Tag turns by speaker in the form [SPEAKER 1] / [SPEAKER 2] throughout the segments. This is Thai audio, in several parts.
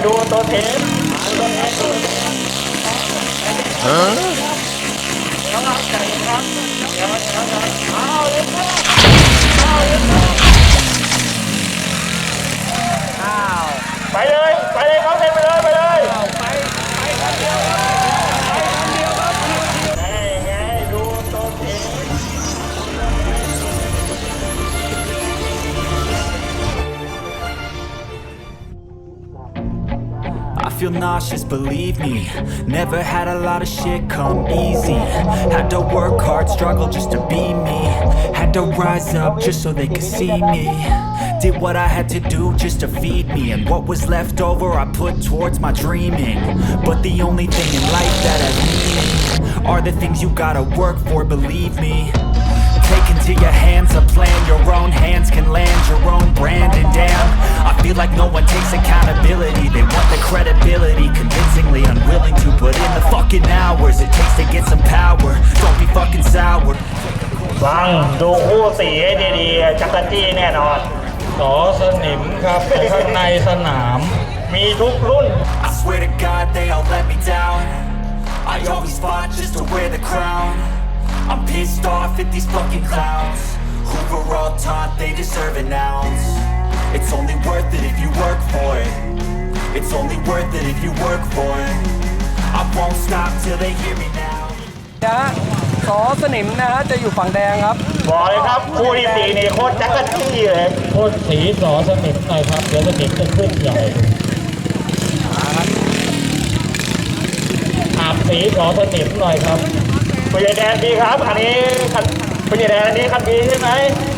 [SPEAKER 1] ดูตัวเทปไปเลยเขาเทปไปเลยไงดูตัวเทป
[SPEAKER 2] I feel nauseous, believe me. Never had a lot of shit come easy. Had to work hard, struggle just to be me. Had to rise up just so they could see me. Did what I had to do just to feed me. And what was left over I put towards my dreaming. But the only thing in life that has meaning are the things you gotta work for, believe me. Take into your hands a plan. Your own hands can land your own brand. And damn, I feel like no one takes accountability. They want the credibility, convincingly unwilling to put in the fucking hours it takes to get some power. Don't be fucking sour.
[SPEAKER 1] ฟังดูคู่สีให้ดีๆจักรจี้แน่นอน
[SPEAKER 3] สอสนิมครับข้างในสนาม
[SPEAKER 1] มีทุกรุ่น
[SPEAKER 2] I swear to God they all let me down. I always fought just to wear the crown. I'm pissed off at these fucking clowns who were all taught they deserve an ounce. It's only worth it if you work for it. It's only worth it if you work for it. I won't stop till they hear me now.
[SPEAKER 4] นะสอสนิมนะฮะจะอยู่ฝั่งแดงครับ
[SPEAKER 1] บอกเลยครับคู่ที่สี่นี่โคตรจักรจี้เลย
[SPEAKER 3] โคตรสีสอสนิมหน่อยครับเดี๋ยวสนิมจะขึ้นใหญ่อาบสีสอสนิมหน่อยครับ
[SPEAKER 1] ผู้ใหญ่แดนดีครับอันนี้ผู้ใหญ่แดนอันนี้คันดีใช่ไหม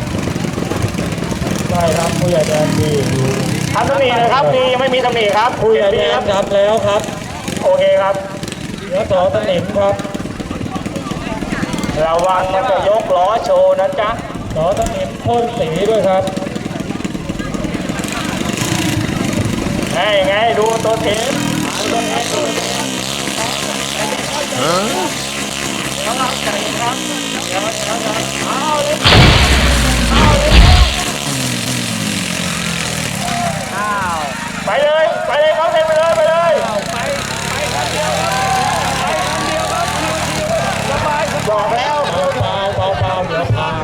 [SPEAKER 3] ใช่ครับผู้ใหญ่แดนดี
[SPEAKER 1] ทำตำหนิเลยครับดียังไม่มีตำหนิครับ
[SPEAKER 3] ผู้ใหญ่แดนครับแล้วครับ
[SPEAKER 1] โอเคครับ
[SPEAKER 3] เหลือสอสนิมครับ
[SPEAKER 1] ระวังมันจะยกล้อโชว์นะจ๊ะ
[SPEAKER 3] สอสนิมพ่นสีด้วยครับ
[SPEAKER 1] ไงดูตัวเทปไปเลยเขาเทปไปเลยบอกแล้ว
[SPEAKER 3] เบาเดี๋ยวพาง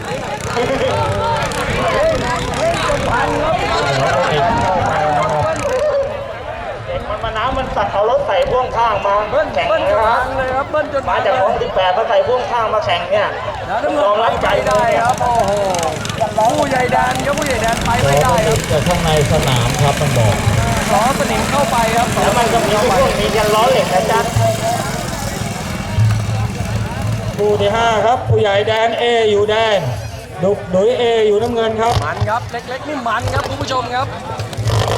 [SPEAKER 1] เด็กมันมาน้ำมันตัดเอารถใส่พ่วงข้างมาแข่ง
[SPEAKER 4] เบิ้ลจ
[SPEAKER 1] นะ
[SPEAKER 4] น
[SPEAKER 1] ครั
[SPEAKER 4] พั
[SPEAKER 1] บ
[SPEAKER 4] งเลยครับเบิ้ลจนพั
[SPEAKER 1] มาง จากของ18มาใส่พ่วงข้างมาแข่งเนี่ย
[SPEAKER 4] แล้วน้ำ
[SPEAKER 1] ยอม
[SPEAKER 4] เงิ
[SPEAKER 1] รับ
[SPEAKER 4] น
[SPEAKER 1] ใจ
[SPEAKER 4] ไป
[SPEAKER 1] เล
[SPEAKER 4] ได้
[SPEAKER 1] ย
[SPEAKER 4] ครับโอ้โหผู้ใหญ่แดนครับผู้ใหญ่แดนไปไม่ได้ครับ
[SPEAKER 3] แต่ข้างในสนามครับมันบอก
[SPEAKER 4] สอสนิมเข้าไปครับ
[SPEAKER 1] แล้วมันก็มีพวกมียันล้อเหล็กนะจ๊ะ
[SPEAKER 3] คู่ที่5ครับผู้ใหญ่แดน A อยู่แดงดุย A อยู่น้ำเงินครับ
[SPEAKER 4] มันครับเล็กๆนี่มันครับคุณผู้ชมครับ